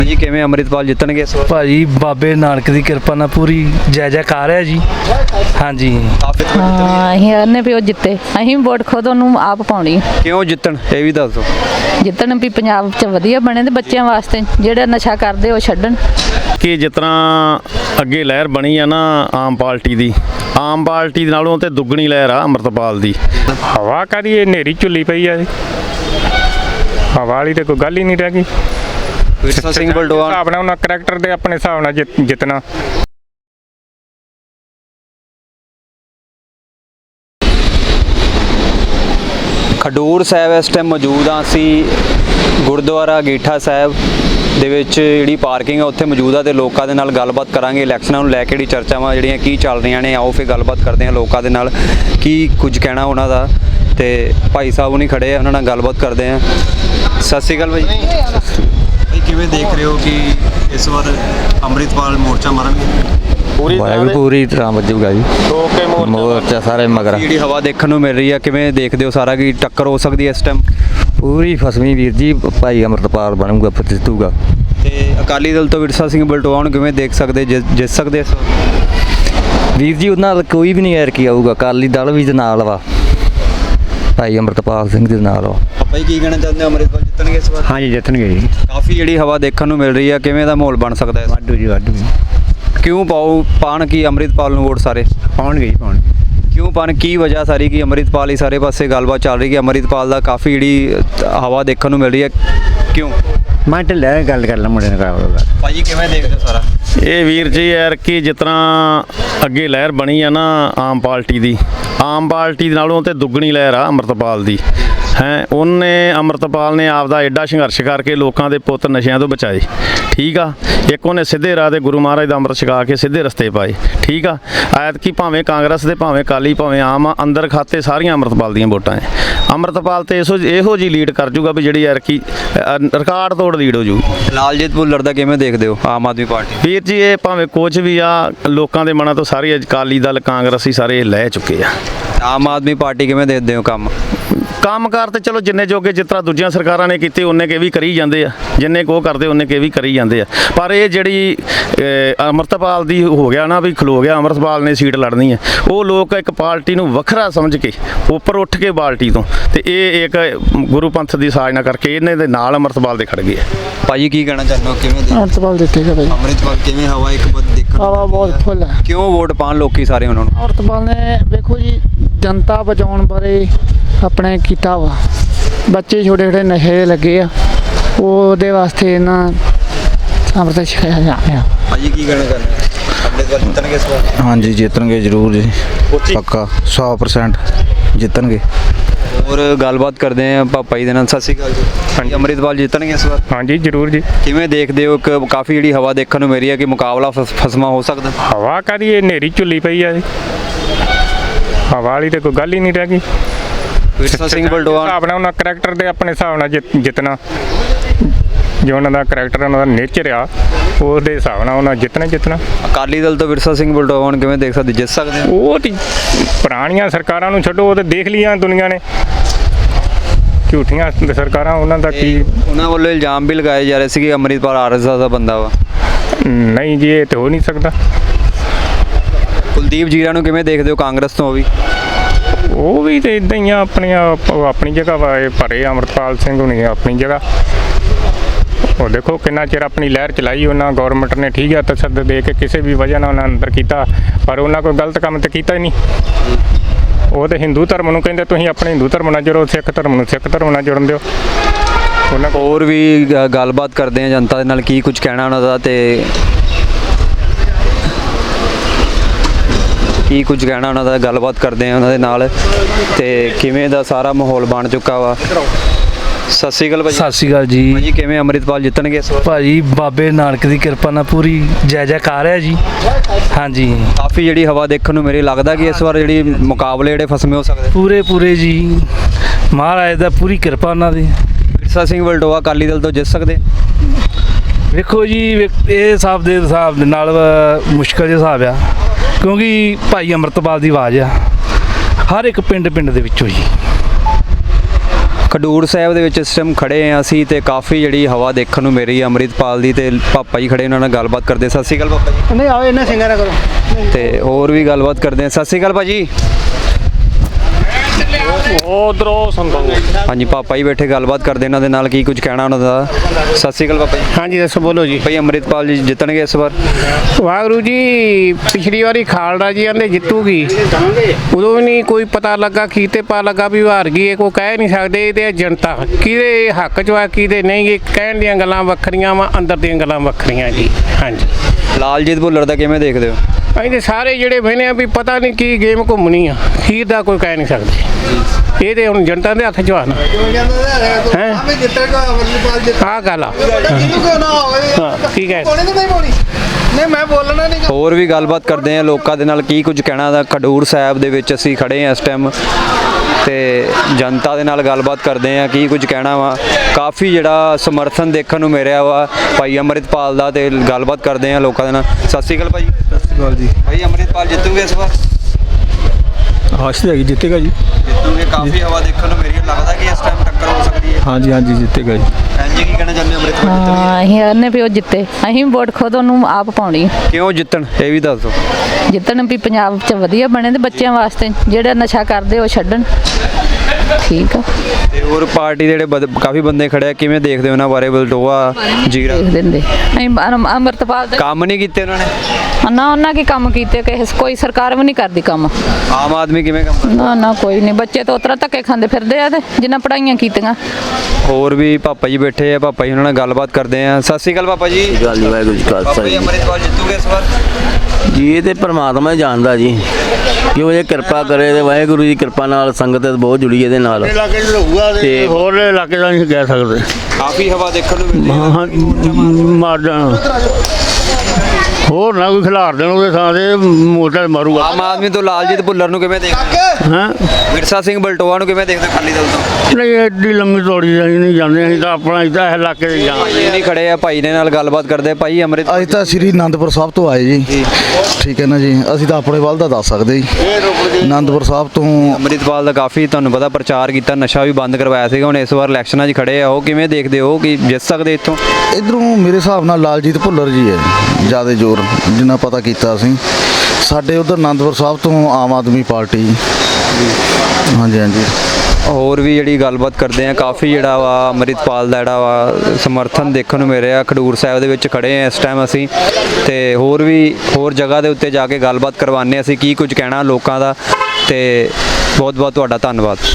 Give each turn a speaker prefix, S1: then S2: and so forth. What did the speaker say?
S1: जी किवें अमृतपाल जितणगे इस बार?
S2: भाजी बाबे नानक की कृपा नाल पूरी जय जयकार है जी। हाँ जी
S1: काफी
S3: ਹਾਂ ਅਸੀਂ ਆਨੇ ਵੀ ਉਹ ਜਿੱਤੇ ਅਸੀਂ ਵੀ ਵੋਟ ਖੁਦ ਉਹਨੂੰ ਆਪ ਪਾਉਣੀ
S1: क्यों जितण ये भी दस दो।
S3: ਜਿੱਤਣ ਵੀ ਪੰਜਾਬ 'ਚ ਵਧੀਆ ਬਣੇ ਤੇ ਬੱਚਿਆਂ ਵਾਸਤੇ ਜਿਹੜੇ ਨਸ਼ਾ ਕਰਦੇ ਉਹ ਛੱਡਣ।
S4: ਕਿ ਜਿਸ ਤਰ੍ਹਾਂ ਅੱਗੇ ਲਹਿਰ ਬਣੀ ਆ ਨਾ ਆਮ ਪਾਰਟੀ ਦੇ ਨਾਲੋਂ ਤੇ ਦੁੱਗਣੀ ਲਹਿਰ ਆ ਅੰਮ੍ਰਿਤਪਾਲ ਦੀ।
S5: ਹਵਾ ਕਾਹਦੀ ਇਹ ਹਨੇਰੀ ਝੁੱਲੀ ਪਈ ਆ ਜੀ। ਹਵਾ ਵਾਲੀ ਤੇ ਕੋਈ ਗੱਲ ਹੀ ਨਹੀਂ ਰਹਿ ਗਈ।
S1: ਵਿਰਸਾ ਸਿੰਘ ਬਲਟੋਆ
S5: ਹਿਸਾਬ ਨਾਲ ਉਹਨਾਂ ਕਰੈਕਟਰ ਦੇ ਆਪਣੇ ਹਿਸਾਬ ਨਾਲ ਜਿੱਤਣਾ।
S1: ਖਡੂਰ ਸਾਹਿਬ ਇਸ ਟਾਈਮ ਮੌਜੂਦ ਹਾਂ ਅਸੀਂ ਗੁਰਦੁਆਰਾ ਗੀਠਾ ਸਾਹਿਬ ਦੇ ਵਿੱਚ ਜਿਹੜੀ ਪਾਰਕਿੰਗ ਹੈ ਉੱਥੇ ਮੌਜੂਦ ਆ ਤੇ ਲੋਕਾਂ ਦੇ ਨਾਲ ਗੱਲਬਾਤ ਕਰਾਂਗੇ। ਇਲੈਕਸ਼ਨਾਂ ਨੂੰ ਲੈ ਕੇ ਜਿਹੜੀ ਚਰਚਾਵਾਂ ਜਿਹੜੀਆਂ ਕੀ ਚੱਲ ਰਹੀਆਂ ਨੇ, ਆਓ ਫਿਰ ਗੱਲਬਾਤ ਕਰਦੇ ਹਾਂ ਲੋਕਾਂ ਦੇ ਨਾਲ ਕੀ ਕੁਝ ਕਹਿਣਾ ਉਹਨਾਂ ਦਾ। ਤੇ ਭਾਈ ਸਾਹਿਬ ਨਹੀਂ ਖੜੇ ਆ, ਉਹਨਾਂ ਨਾਲ ਗੱਲਬਾਤ ਕਰਦੇ ਹਾਂ। ਸਤਿ ਸ਼੍ਰੀ ਅਕਾਲ ਭਾਈ। ਭਾਈ ਕਿਵੇਂ ਦੇਖ ਰਹੇ ਹੋ ਕਿ ਇਸ ਵਾਰ ਅੰਮ੍ਰਿਤਪਾਲ ਮੋਰਚਾ ਮਾਰਨਗੇ?
S6: ਪੂਰੀ ਤਰ੍ਹਾਂ ਵੱਜੂਗਾ ਜੀ ਮੋਰਚਾ ਸਾਰੇ ਮਗਰ।
S1: ਜਿਹੜੀ ਹਵਾ ਦੇਖਣ ਨੂੰ ਮਿਲ ਰਹੀ ਆ ਕਿਵੇਂ ਦੇਖਦੇ ਹੋ ਸਾਰਾ ਕੀ ਟੱਕਰ ਹੋ ਸਕਦੀ ਹੈ ਇਸ ਟਾਈਮ?
S6: ਪੂਰੀ ਫਸਵੀਂ ਵੀਰ ਜੀ ਭਾਈ ਅੰਮ੍ਰਿਤਪਾਲ ਬਣੂਗਾ ਫਿਰ ਜਿੱਤੂਗਾ।
S1: ਤੇ ਅਕਾਲੀ ਦਲ ਤੋਂ ਵਿਰਸਾ ਸਿੰਘ ਬਲਟੋਆ ਨੂੰ ਕਿਵੇਂ ਦੇਖ ਸਕਦੇ ਜਿੱਤ ਸਕਦੇ ਇਸ ਵਾਰ?
S6: ਵੀਰ ਜੀ ਉਹਨਾਂ ਨਾਲ ਕੋਈ ਵੀ ਨਹੀਂ ਐਰ ਕੀ ਆਊਗਾ। ਅਕਾਲੀ ਦਲ ਵੀ ਦੇ ਨਾਲ ਵਾ, ਭਾਈ ਅੰਮ੍ਰਿਤਪਾਲ ਸਿੰਘ ਦੇ ਨਾਲ ਵਾ।
S1: ਭਾਈ ਕੀ ਕਹਿਣਾ ਚਾਹੁੰਦੇ ਹੋ, ਅੰਮ੍ਰਿਤਪਾਲ ਜਿੱਤਣਗੇ ਇਸ ਵਾਰ?
S6: ਹਾਂਜੀ ਜਿੱਤਣਗੇ ਜੀ।
S1: ਕਾਫੀ ਜਿਹੜੀ ਹਵਾ ਦੇਖਣ ਨੂੰ ਮਿਲ ਰਹੀ ਆ, ਕਿਵੇਂ ਦਾ ਮਾਹੌਲ ਬਣ ਸਕਦਾ ਹੈ?
S6: ਵਾਧੂ ਜੀ ਵਾਧੂ
S1: ਕਿਉਂ ਪਾਣ ਕੀ ਅੰਮ੍ਰਿਤਪਾਲ ਨੂੰ ਵੋਟ ਸਾਰੇ?
S6: ਪਾਉਣਗੇ ਜੀ ਪਾਉਣਗੇ।
S1: ਕਿਉਂ ਪਾਣ ਕੀ ਵਜ੍ਹਾ ਸਾਰੀ ਕਿ ਅੰਮ੍ਰਿਤਪਾਲ ਹੀ ਸਾਰੇ ਪਾਸੇ ਗੱਲਬਾਤ ਚੱਲ ਰਹੀ ਕਿ ਅੰਮ੍ਰਿਤਪਾਲ ਦਾ ਕਾਫੀ ਜਿਹੜੀ ਹਵਾ ਦੇਖਣ ਨੂੰ ਮਿਲ ਰਹੀ ਹੈ ਕਿਉਂ?
S6: ਮੈਂ ਢਿੱਲਾ ਗੱਲ ਕਰ ਲਾ ਮੁੰਡੇ ਨਾਲ ਕਰਾਉਂਦਾ।
S1: ਭਾਜੀ ਕਿਵੇਂ ਦੇਖਦੇ ਹੋ ਸਾਰਾ?
S4: ਇਹ ਵੀਰ ਜੀ ਯਾਰ ਕਿ ਜਿਸ ਤਰ੍ਹਾਂ ਅੱਗੇ ਲਹਿਰ ਬਣੀ ਆ ਨਾ ਆਮ ਪਾਰਟੀ ਦੇ ਨਾਲੋਂ ਤੇ ਦੁੱਗਣੀ ਲਹਿਰ ਆ ਅੰਮ੍ਰਿਤਪਾਲ ਦੀ। ਅੰਮ੍ਰਿਤਪਾਲ ਨੇ ਆਪਦਾ ਐਡਾ ਸੰਘਰਸ਼ ਕਰਕੇ ਲੋਕਾਂ ਦੇ ਪੁੱਤ ਨਸ਼ਿਆਂ ਤੋਂ ਬਚਾਏ। ਠੀਕ ਆ। ਇੱਕ ਉਹਨੇ ਸਿੱਧੇ ਰਾਹ ਤੇ ਗੁਰੂ ਮਹਾਰਾਜ ਦਾ ਅੰਮ੍ਰਿਤ ਛਕਾ ਕੇ ਸਿੱਧੇ ਰਸਤੇ ਪਾਏ। ਠੀਕ ਆ। ਐਤਕੀ ਭਾਵੇਂ ਕਾਂਗਰਸ ਦੇ ਭਾਵੇਂ ਅਕਾਲੀ ਭਾਵੇਂ ਆਮ ਅੰਦਰ ਖਾਤੇ ਸਾਰੀਆਂ ਅੰਮ੍ਰਿਤਪਾਲ ਦੀਆਂ ਵੋਟਾਂ ਹੈ। ਅੰਮ੍ਰਿਤਪਾਲ ਤੇ ਇਹੋ ਜੀ ਲੀਡ ਕਰ ਜੂਗਾ ਵੀ ਜਿਹੜੀ ਯਾਰ ਕੀ ਰਿਕਾਰਡ ਤੋੜ ਲੀਡ ਹੋ ਜੂ।
S1: ਲਾਲਜੀਤ ਭੁੱਲਰ ਦਾ ਕਿਵੇਂ ਦੇਖਦੇ ਹੋ ਆਮ ਆਦਮੀ ਪਾਰਟੀ?
S4: ਵੀਰ ਜੀ ਇਹ ਭਾਵੇਂ ਕੁਝ ਵੀ ਆ ਲੋਕਾਂ ਦੇ ਮਨਾਂ ਤੋਂ ਸਾਰੇ ਅਕਾਲੀ ਦਲ ਕਾਂਗਰਸੀ ਸਾਰੇ ਲੈ ਚੁੱਕੇ ਆ।
S1: ਆਮ ਆਦਮੀ ਪਾਰਟੀ ਕਿਵੇਂ ਦੇਖਦੇ ਹੋ
S4: ਕੰਮਕਾਰ ਤੇ ਚਲੋ ਜਿੰਨੇ ਜੋਗੇ ਜਿਸ ਤਰ੍ਹਾਂ ਦੂਜੀਆਂ ਸਰਕਾਰਾਂ ਨੇ ਕੀਤੇ ਉਹਨੇ ਕੇ ਵੀ ਕਰੀ ਜਾਂਦੇ ਆ, ਜਿੰਨੇ ਕੋ ਕਰਦੇ ਉਹਨੇ ਕੇ ਵੀ ਕਰੀ ਜਾਂਦੇ ਆ। ਪਰ ਇਹ ਜਿਹੜੀ ਅੰਮ੍ਰਿਤਪਾਲ ਦੀ ਹੋ ਗਿਆ ਨਾ ਵੀ ਖਲੋ ਗਿਆ ਅੰਮ੍ਰਿਤਪਾਲ ਨੇ ਸੀਟ ਲੜਨੀ ਹੈ, ਉਹ ਲੋਕ ਇੱਕ ਪਾਰਟੀ ਨੂੰ ਵੱਖਰਾ ਸਮਝ ਕੇ ਉੱਪਰ ਉੱਠ ਕੇ ਪਾਰਟੀ ਤੋਂ ਤੇ ਇਹ ਇੱਕ ਗੁਰੂ ਪੰਥ ਦੀ ਸਾਜਨਾ ਕਰਕੇ ਇਹਨਾਂ ਦੇ ਨਾਲ ਅੰਮ੍ਰਿਤਪਾਲ ਦੇ ਖੜ ਗਏ ਆ।
S1: ਭਾਜੀ ਕੀ ਕਹਿਣਾ ਚਾਹੁੰਦੇ ਹੋ ਕਿਵੇਂ ਦੇਖਦੇ?
S7: ਅੰਮ੍ਰਿਤਪਾਲ ਜਿੱਤੇਗਾ ਭਾਈ।
S1: ਅੰਮ੍ਰਿਤਪਾਲ ਕਿਵੇਂ ਹਵਾ ਇੱਕ ਵਾਰ ਦੇਖਣ
S7: ਹਵਾ ਬਹੁਤ ਫੁੱਲ ਹੈ।
S1: ਕਿਉਂ ਵੋਟ ਪਾਣ ਲੋਕੀ ਸਾਰੇ ਉਹਨਾਂ ਨੂੰ?
S7: ਅੰਮ੍ਰਿਤਪਾਲ ਨੇ ਵੇਖੋ ਜੀ ਜਨਤਾ ਬਚਾਉਣ ਬਾਰੇ ਆਪਣੇ ਕੀਤਾ ਵਾ। ਬੱਚੇ ਛੋਟੇ ਛੋਟੇ ਨਸ਼ੇ ਲੱਗੇ ਆ, ਉਹਦੇ ਵਾਸਤੇ ਇਹਨਾਂ ਅੰਮ੍ਰਿਤ ਛਕਾਇਆ ਜਾ ਰਿਹਾ।
S1: ਭਾਜੀ ਕੀ ਕਹਿਣਾ ਚਾਹੁੰਦੇ ਹੋ? ਅੰਮ੍ਰਿਤਪਾਲ ਜਿੱਤਣਗੇ ਇਸ ਵਾਰ?
S6: ਹਾਂਜੀ ਜਿੱਤਣਗੇ ਜ਼ਰੂਰ ਜੀ, ਪੱਕਾ 100% ਜਿੱਤਣਗੇ।
S1: ਹੋਰ ਗੱਲਬਾਤ ਕਰਦੇ ਹਾਂ ਪਾਪਾ ਜੀ ਦੇ ਨਾਲ। ਸਤਿ ਸ਼੍ਰੀ ਅਕਾਲ ਜੀ। ਹਾਂਜੀ ਅੰਮ੍ਰਿਤਪਾਲ ਜਿੱਤਣਗੇ ਇਸ ਵਾਰ?
S5: ਹਾਂਜੀ ਜ਼ਰੂਰ ਜੀ।
S1: ਕਿਵੇਂ ਦੇਖਦੇ ਹੋ ਕਿ ਕਾਫੀ ਜਿਹੜੀ ਹਵਾ ਦੇਖਣ ਨੂੰ ਮਿਲ ਰਹੀ ਹੈ ਕਿ ਮੁਕਾਬਲਾ ਫਸਮਾ ਹੋ ਸਕਦਾ?
S5: ਹਵਾ ਕਾਹਦੀ ਇਹ ਹਨੇਰੀ ਝੁੱਲੀ ਪਈ ਆ ਜੀ। ਹਵਾ ਵਾਲੀ ਤੇ ਕੋਈ ਗੱਲ ਹੀ ਨਹੀਂ ਰਹਿ ਗਈ।
S1: ਵਿਰਸਾ ਸਿੰਘ ਬਲਟੋਆ
S5: ਹਿਸਾਬ ਨਾਲ ਉਹਨਾਂ ਕਰੈਕਟਰ ਦੇ ਆਪਣੇ ਹਿਸਾਬ ਨਾਲ ਜਿੱਤਣਾ। ਜੋ ਉਹਨਾਂ ਦਾ ਕਰੈਕਟਰ ਉਹਨਾਂ ਦਾ ਨੇਚਰ ਆ ਉਹਦੇ ਹਿਸਾਬ ਨਾਲ ਉਹਨਾਂ ਜਿੱਤਣਾ।
S1: ਅਕਾਲੀ ਦਲ ਤੋਂ ਵਿਰਸਾ ਸਿੰਘ ਬਲਟੋਆ ਨੂੰ ਕਿਵੇਂ ਦੇਖ ਸਕਦੇ, ਜਿੱਤ ਸਕਦੇ?
S5: ਉਹ ਤੇ ਪੁਰਾਣੀਆਂ ਸਰਕਾਰਾਂ ਨੂੰ ਛੱਡੋ, ਉਹ ਤੇ ਦੇਖ ਲਈਆਂ ਦੁਨੀਆ ਨੇ ਝੂਠੀਆਂ ਸਰਕਾਰਾਂ। ਉਹਨਾਂ ਦਾ ਕੀ
S1: ਉਹਨਾਂ ਵੱਲੋਂ ਇਲਜ਼ਾਮ ਵੀ ਲਗਾਏ ਜਾ ਰਹੇ ਸੀ ਕਿ ਅੰਮ੍ਰਿਤਪਾਲ ਆਰਐਸਐਸ ਦਾ ਬੰਦਾ ਵਾ।
S5: ਨਹੀਂ ਜੀ ਇਹ ਤੇ ਹੋ ਨਹੀਂ ਸਕਦਾ।
S1: ਕੁਲਦੀਪ ਜੀਰਾ ਨੂੰ ਕਿਵੇਂ ਦੇਖਦੇ ਹੋ ਕਾਂਗਰਸ ਤੋਂ?
S5: ਉਹ ਵੀ ਤੇ ਇਦਾਂ ਹੀ ਆ ਆਪਣੀ ਜਗ੍ਹਾ ਵਾ। ਇਹ ਭਰੇ ਅੰਮ੍ਰਿਤਪਾਲ ਸਿੰਘ ਹੁਣੀ ਆਪਣੀ ਜਗ੍ਹਾ। ਉਹ ਦੇਖੋ ਕਿੰਨਾ ਚਿਰ ਆਪਣੀ ਲਹਿਰ ਚਲਾਈ ਉਹਨਾਂ ਗੌਰਮੈਂਟ ਨੇ। ਠੀਕ ਆ ਤਸੱਦਦ ਦੇ ਕੇ ਕਿਸੇ ਵੀ ਵਜ੍ਹਾ ਨਾਲ ਉਹਨਾਂ ਅੰਦਰ ਕੀਤਾ, ਪਰ ਉਹਨਾਂ ਕੋਈ ਗਲਤ ਕੰਮ ਤੇ ਕੀਤਾ ਹੀ ਨਹੀਂ। ਉਹ ਤੇ ਹਿੰਦੂ ਧਰਮ ਨੂੰ ਕਹਿੰਦੇ ਤੁਸੀਂ ਆਪਣੇ ਹਿੰਦੂ ਧਰਮ ਨਾਲ ਜੁੜੋ, ਸਿੱਖ ਧਰਮ ਨੂੰ ਸਿੱਖ ਧਰਮ ਨਾਲ ਜੁੜਨ ਦਿਓ। ਉਹਨਾਂ
S1: ਹੋਰ ਵੀ ਗੱਲਬਾਤ ਕਰਦੇ ਆ ਜਨਤਾ ਦੇ ਨਾਲ ਕੀ ਕੁਝ ਕਹਿਣਾ ਉਹਨਾਂ ਦਾ ਤੇ ਕੀ ਕੁਝ ਕਹਿਣਾ ਉਹਨਾਂ ਦਾ, ਗੱਲਬਾਤ ਕਰਦੇ ਆ ਉਹਨਾਂ ਦੇ ਨਾਲ ਤੇ ਕਿਵੇਂ ਦਾ ਸਾਰਾ ਮਾਹੌਲ ਬਣ ਚੁੱਕਾ ਵਾ। ਸਤਿ ਸ਼੍ਰੀ ਅਕਾਲ ਭਾਜੀ।
S2: ਸਤਿ ਸ਼੍ਰੀ ਅਕਾਲ ਜੀ।
S1: ਭਾਜੀ ਕਿਵੇਂ ਅੰਮ੍ਰਿਤਪਾਲ ਜਿੱਤਣਗੇ ਇਸ ਵਾਰ?
S2: ਭਾਜੀ ਬਾਬੇ ਨਾਨਕ ਦੀ ਕਿਰਪਾ ਨਾਲ ਪੂਰੀ ਜੈ ਜयकार ਹੈ ਜੀ। ਹਾਂਜੀ
S1: ਕਾਫੀ ਜਿਹੜੀ ਹਵਾ ਦੇਖਣ ਨੂੰ ਮੇਰੇ ਲੱਗਦਾ ਕਿ ਇਸ ਵਾਰ ਜਿਹੜੀ ਮੁਕਾਬਲੇ ਜਿਹੜੇ ਫਸਮੇ ਹੋ ਸਕਦੇ?
S2: ਪੂਰੇ ਜੀ ਮਹਾਰਾਜ ਦਾ ਪੂਰੀ ਕਿਰਪਾ ਉਹਨਾਂ ਦੀ।
S1: ਵਿਰਸਾ ਸਿੰਘ ਬਲਟੋਆ ਅਕਾਲੀ ਦਲ ਤੋਂ ਜਿੱਤ ਸਕਦੇ?
S2: ਵੇਖੋ ਜੀ ਇਹ ਹਿਸਾਬ ਦੇ ਨਾਲ ਮੁਸ਼ਕਲ ਜਿਹਾ ਹਿਸਾਬ ਆ, ਕਿਉਂਕਿ ਭਾਈ ਅੰਮ੍ਰਿਤਪਾਲ ਦੀ ਆਵਾਜ਼ ਆ ਹਰ ਇੱਕ ਪਿੰਡ ਦੇ ਵਿੱਚੋਂ ਜੀ।
S1: ਖਡੂਰ ਸਾਹਿਬ ਦੇ ਵਿੱਚ ਇਸ ਟਾਈਮ ਖੜੇ ਆ ਅਸੀਂ ਤੇ ਕਾਫੀ ਜਿਹੜੀ ਹਵਾ ਦੇਖਣ ਨੂੰ ਮੇਰੀ ਅੰਮ੍ਰਿਤਪਾਲ ਦੀ ਤੇ ਪਾਪਾ ਜੀ ਖੜੇ ਉਹਨਾਂ ਨਾਲ ਗੱਲਬਾਤ ਕਰਦੇ। ਸਤਿ ਸ਼੍ਰੀ ਅਕਾਲ ਪਾਪਾ ਜੀ।
S7: ਨਹੀਂ ਆਓ ਇਹਨਾਂ ਸਿੰਘਾਂ ਕਰੋ
S1: ਤੇ ਹੋਰ ਵੀ ਗੱਲਬਾਤ ਕਰਦੇ ਆ। ਸਤਿ ਸ਼੍ਰੀ ਅਕਾਲ ਭਾਜੀ।
S5: ਉਧਰੋਂ ਸੰਭਵ
S1: ਹਾਂਜੀ ਪਾਪਾ ਜੀ ਬੈਠੇ ਗੱਲਬਾਤ ਕਰਦੇ ਇਹਨਾਂ ਦੇ ਨਾਲ ਕੀ ਕੁਝ ਕਹਿਣਾ ਉਹਨਾਂ ਦਾ। ਸਤਿ ਸ਼੍ਰੀ ਅਕਾਲ ਪਾਪਾ ਜੀ।
S8: ਹਾਂਜੀ ਦੱਸੋ ਬੋਲੋ ਜੀ।
S1: ਭਾਈ ਅੰਮ੍ਰਿਤਪਾਲ ਜੀ ਜਿੱਤਣਗੇ ਇਸ ਵਾਰ?
S8: ਵਾਹਿਗੁਰੂ ਜੀ ਪਿਛਲੀ ਵਾਰੀ ਖਾਲੜਾ ਜੀ ਆਂਦੇ ਜਿੱਤੂਗੀ, ਉਦੋਂ ਵੀ ਨਹੀਂ ਕੋਈ ਪਤਾ ਲੱਗਾ ਕੀਤੇ ਪਾ ਲੱਗਾ ਵੀ ਹਾਰ ਗਈ। ਇਹ ਕੋਈ ਕਹਿ ਨਹੀਂ ਸਕਦੇ ਇਹਦੇ ਜਨਤਾ ਕਿਹਦੇ ਹੱਕ 'ਚ ਵਾ ਕਿਹਦੇ ਨਹੀਂ। ਇਹ ਕਹਿਣ ਦੀਆਂ ਗੱਲਾਂ ਵੱਖਰੀਆਂ ਵਾ, ਅੰਦਰ ਦੀਆਂ ਗੱਲਾਂ ਵੱਖਰੀਆਂ ਜੀ। ਹਾਂਜੀ
S1: ਲਾਲਜੀਤ ਭੁੱਲਰ ਦਾ ਕਿਵੇਂ ਦੇਖਦੇ ਹੋ?
S8: ਅਸੀਂ ਤੇ ਸਾਰੇ ਜਿਹੜੇ ਬਹਿਨੇ ਆ ਵੀ ਪਤਾ ਨਹੀਂ ਕੀ ਗੇਮ ਘੁੰਮਣੀ ਆ, ਖੀਰ ਦਾ ਕੋਈ ਕਹਿ ਨਹੀਂ ਸਕਦੇ। ਇਹ ਤੇ ਹੁਣ ਜਨਤਾ ਦੇ ਹੱਥ 'ਚ ਆ ਨਾ ਹੈ ਆਹ ਗੱਲ ਆ। ਹਾਂ ਠੀਕ ਹੈ।
S7: ਨਹੀਂ ਮੈਂ ਬੋਲਣਾ ਨਹੀਂ।
S1: ਹੋਰ ਵੀ ਗੱਲਬਾਤ ਕਰਦੇ ਆ ਲੋਕਾਂ ਦੇ ਨਾਲ ਕੀ ਕੁਝ ਕਹਿਣਾ ਦਾ। ਖਡੂਰ ਸਾਹਿਬ ਦੇ ਵਿੱਚ ਅਸੀਂ ਖੜੇ ਆ ਇਸ ਟਾਈਮ ਤੇ ਜਨਤਾ ਦੇ ਨਾਲ ਗੱਲਬਾਤ ਕਰਦੇ ਆ ਕੀ ਕੁਝ ਕਹਿਣਾ ਵਾ। ਕਾਫੀ ਜਿਹੜਾ ਸਮਰਥਨ ਦੇਖਣ ਨੂੰ ਮਿਲਿਆ ਵਾ ਭਾਈ ਅੰਮ੍ਰਿਤਪਾਲ ਦਾ ਤੇ ਗੱਲਬਾਤ ਕਰਦੇ ਆ ਲੋਕਾਂ ਦੇ ਨਾਲ। ਸਤਿ ਸ਼੍ਰੀ ਅਕਾਲ ਭਾਈ।
S9: ਸਤਿ ਸ਼੍ਰੀ ਅਕਾਲ ਜੀ।
S1: ਭਾਈ ਅੰਮ੍ਰਿਤਪਾਲ ਜਿੱਤੂਗੇ ਇਸ ਵਾਰ?
S9: ਆਸ ਹੈਗੀ ਜਿੱਤੇਗਾ ਜੀ।
S1: ਜਿੱਤੂਗੇ। ਕਾਫੀ ਹਵਾ ਦੇਖਣ ਨੂੰ ਮੇਰੀ ਲੱਗਦਾ ਕਿ ਇਸ ਟਾਈਮ ਟੱਕਰ ਹੋ ਸਕਦੀ ਹੈ।
S9: ਹਾਂਜੀ ਹਾਂਜੀ ਜਿੱਤੇਗਾ ਜੀ।
S1: ਹਾਂਜੀ ਕੀ ਕਹਿਣਾ ਚਾਹੁੰਦੇ ਹੋ ਅੰਮ੍ਰਿਤਪਾਲ ਜਿੱਤਣਗੇ?
S3: ਹਾਂ ਅਸੀਂ ਆਨੇ ਵੀ ਉਹ ਜਿੱਤੇ, ਅਸੀਂ ਵੀ ਵੋਟ ਖੁਦ ਉਹਨੂੰ ਆਪ ਪਾਉਣੀ।
S1: ਕਿਉਂ ਜਿੱਤਣ ਇਹ ਵੀ ਦੱਸ ਦਿਓ।
S3: ਜਿੱਤਣ ਵੀ ਪੰਜਾਬ 'ਚ ਵਧੀਆ ਬਣੇ ਤੇ ਬੱਚਿਆਂ ਵਾਸਤੇ ਜਿਹੜਾ ਨਸ਼ਾ ਕਰਦੇ ਉਹ ਛੱਡਣ। ਠੀਕ ਆ
S1: ਤੇ ਹੋਰ ਪਾਰਟੀ ਦੇ ਜਿਹੜੇ ਕਾਫੀ ਬੰਦੇ ਖੜੇ ਆ ਕਿਵੇਂ ਦੇਖਦੇ ਹੋ ਉਹਨਾਂ ਬਾਰੇ? ਬਲਟੋਆ ਜੀਰਾ
S3: ਦੇਖ ਦਿੰਦੇ ਅਸੀਂ ਅੰਮ੍ਰਿਤਪਾਲ ਦੇ
S1: ਕੰਮ ਨਹੀਂ ਕੀਤੇ ਉਹਨਾਂ ਨੇ?
S3: ਨਾ ਉਹਨਾਂ ਕੀ ਕੰਮ ਕੀਤੇ, ਕੋਈ ਸਰਕਾਰ ਵੀ ਨਹੀਂ ਕਰਦੀ ਕੰਮ।
S1: ਆਮ ਆਦਮੀ ਕਿਵੇਂ ਕੰਮ ਕਰਦਾ?
S3: ਨਾ ਨਾ ਕੋਈ ਨਹੀਂ, ਬੱਚੇ ਤਾਂ ਉਤਰਾ ਧੱਕੇ ਖਾਂਦੇ ਫਿਰਦੇ ਆ ਤੇ ਜਿਨ੍ਹਾਂ ਪੜਾਈਆਂ ਕੀਤੀਆਂ।
S1: ਹੋਰ ਵੀ ਪਾਪਾ ਜੀ ਬੈਠੇ ਆ, ਪਾਪਾ ਜੀ ਉਹਨਾਂ ਨਾਲ ਗੱਲਬਾਤ ਕਰਦੇ ਆ। ਸਤਿ ਸ਼੍ਰੀ ਅਕਾਲ ਪਾਪਾ ਜੀ।
S6: ਗੱਲ ਨਹੀਂ ਵਾਹਿਗੁਰੂ ਜੀ ਖਾਲਸਾ
S1: ਪਾਪਾ ਜੀ ਅੰਮ੍ਰਿਤਪਾਲ ਜਿੱਤੂਗੇ ਇਸ ਵਾਰ?
S6: ਜੀ। ਇਹ ਤੇ ਪਰਮਾਤਮਾ ਹੀ ਜਾਣਦਾ ਜੀ, ਕਿਉਂ ਇਹ ਕਿਰਪਾ ਕਰੇ ਤੇ ਵਾਹਿਗੁਰੂ ਦੀ ਕਿਰਪਾ ਨਾਲ ਸੰਗਤ ਬਹੁਤ ਜੁੜੀ ਇਹਦੇ ਨਾਲ।
S4: ਇਲਾਕੇ 'ਚ ਰਹੂਗਾ ਤੇ ਹੋਰ ਇਲਾਕੇ ਦਾ ਨਹੀਂ ਕਹਿ ਸਕਦੇ।
S1: ਕਾਫੀ ਹਵਾ ਦੇਖਣ ਨੂੰ ਮਿਲਦੀ ਹੈ।
S4: ਮਾਰ ਜਾਣ ਹੋਰ ਨਾ ਕੋਈ ਖਿਲਾਰ ਦੇਣ ਉਹਦੇ ਥਾਂ ਤੇ ਮੋਟਰ ਮਾਰੂਗਾ।
S1: ਆਮ ਆਦਮੀ ਤੋਂ ਲਾਲਜੀਤ ਭੁੱਲਰ ਨੂੰ ਕਿਵੇਂ ਦੇਖਦੇ ਹੋ?
S4: ਹਾਂ
S1: ਵਿਰਸਾ ਸਿੰਘ ਬਲਟੋਆ ਨੂੰ ਕਿਵੇਂ ਦੇਖਦੇ ਹੋ ਅਕਾਲੀ ਦਲ ਤੋਂ?
S4: ਨਹੀਂ ਐਡੀ ਲੰਮੀ ਤੋੜੀ ਅਸੀਂ ਨਹੀਂ ਜਾਂਦੇ। ਅਸੀਂ ਤਾਂ ਆਪਣਾ ਇੱਦਾਂ ਇਲਾਕੇ 'ਚ ਜਾਂਦੇ।
S1: ਇਹ ਨਹੀਂ ਖੜੇ ਆ ਭਾਈ ਦੇ ਨਾਲ ਗੱਲਬਾਤ ਕਰਦੇ। ਭਾਈ ਅੰਮ੍ਰਿਤ
S10: ਅੱਜ ਤਾਂ ਸ੍ਰੀ ਅਨੰਦਪੁਰ ਸਾਹਿਬ ਤੋਂ ਆਏ ਜੀ। ਠੀਕ ਹੈ ਨਾ ਜੀ। ਅਸੀਂ ਤਾਂ ਆਪਣੇ ਵੱਲ ਦਾ ਦੱਸ ਸਕਦੇ ਜੀ। ਅਨੰਦਪੁਰ ਸਾਹਿਬ ਤੋਂ
S1: ਅੰਮ੍ਰਿਤਪਾਲ ਦਾ ਕਾਫੀ ਤੁਹਾਨੂੰ ਪਤਾ ਪ੍ਰਚਾਰ ਕੀਤਾ, ਨਸ਼ਾ ਵੀ ਬੰਦ ਕਰਵਾਇਆ ਸੀਗਾ। ਹੁਣ ਇਸ ਵਾਰ ਇਲੈਕਸ਼ਨਾਂ 'ਚ ਖੜੇ ਆ, ਉਹ ਕਿਵੇਂ ਦੇਖਦੇ ਹੋ ਕਿ ਜਿੱਤ ਸਕਦੇ ਇੱਥੋਂ?
S10: ਇਧਰੋਂ ਮੇਰੇ ਹਿਸਾਬ ਨਾਲ ਲਾਲਜੀਤ ਭੁੱਲਰ ਜੀ ਹੈ ਜਿਆਦਾ ਜ਼ੋਰ, ਜਿੰਨਾ ਪਤਾ ਕੀਤਾ ਅਸੀਂ। ਸਾਡੇ ਉਧਰ ਅਨੰਦਪੁਰ ਸਾਹਿਬ ਤੋਂ ਆਮ ਆਦਮੀ ਪਾਰਟੀ। ਹਾਂਜੀ ਹਾਂਜੀ।
S1: ਹੋਰ ਵੀ ਜਿਹੜੀ ਗੱਲਬਾਤ ਕਰਦੇ ਆ ਕਾਫੀ ਜਿਹੜਾ ਵਾ ਅੰਮ੍ਰਿਤਪਾਲ ਦਾ ਜਿਹੜਾ ਵਾ ਸਮਰਥਨ ਦੇਖਣ ਨੂੰ ਮਿਲ ਰਿਹਾ। ਖਡੂਰ ਸਾਹਿਬ ਦੇ ਵਿੱਚ ਖੜੇ ਆ ਇਸ ਟਾਈਮ ਅਸੀਂ ਤੇ ਹੋਰ ਜਗ੍ਹਾ ਦੇ ਉੱਤੇ ਜਾ ਕੇ ਗੱਲਬਾਤ ਕਰਵਾਉਂਦੇ ਅਸੀਂ ਕੀ ਕੁਝ ਕਹਿਣਾ ਲੋਕਾਂ ਦਾ। ਤੇ ਬਹੁਤ ਬਹੁਤ ਤੁਹਾਡਾ ਧੰਨਵਾਦ।